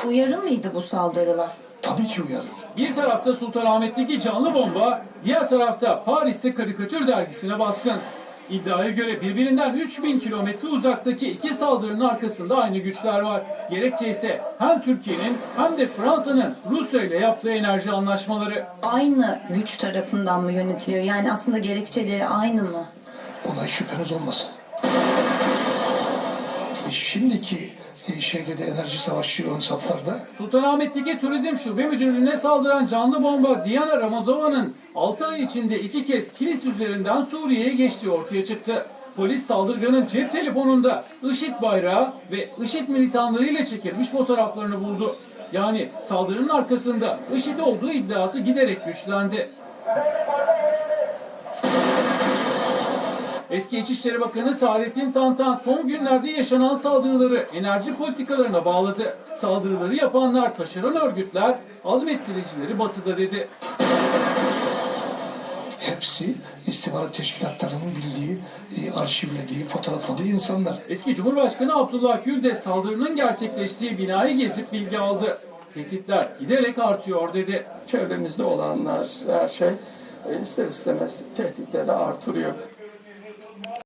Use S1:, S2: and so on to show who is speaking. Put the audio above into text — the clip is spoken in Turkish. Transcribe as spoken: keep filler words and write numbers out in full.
S1: Uyarı mıydı bu saldırılar?
S2: Tabii ki uyarır.
S3: Bir tarafta Sultanahmet'teki canlı bomba, diğer tarafta Paris'te karikatür dergisine baskın. İddiaya göre birbirinden üç bin kilometre uzaktaki iki saldırının arkasında aynı güçler var. Gerekçe ise hem Türkiye'nin hem de Fransa'nın Rusya ile yaptığı enerji anlaşmaları.
S1: Aynı güç tarafından mı yönetiliyor? Yani aslında gerekçeleri aynı mı?
S2: Ona hiç şüpheniz olmasın. E şimdiki e, şeyde de enerji savaşı ön saflarda.
S3: Sultanahmet'teki Turizm Şube Müdürlüğü'ne saldıran canlı bomba Diana Ramazova'nın altı ay içinde iki kez Kilis üzerinden Suriye'ye geçtiği ortaya çıktı. Polis saldırganın cep telefonunda IŞİD bayrağı ve IŞİD militanlarıyla çekilmiş fotoğraflarını buldu. Yani saldırının arkasında IŞİD olduğu iddiası giderek güçlendi. Eski İçişleri Bakanı Saadettin Tantan son günlerde yaşanan saldırıları enerji politikalarına bağladı. Saldırıları yapanlar taşeron örgütler, azmettiricileri batıda dedi.
S2: Hepsi istihbarat teşkilatlarının bildiği, e, arşivlediği, fotoğrafladığı insanlar.
S3: Eski Cumhurbaşkanı Abdullah Gül de saldırının gerçekleştiği binayı gezip bilgi aldı. Tehditler giderek artıyor dedi.
S4: Çevremizde olanlar, her şey ister istemez tehditleri artırıyor.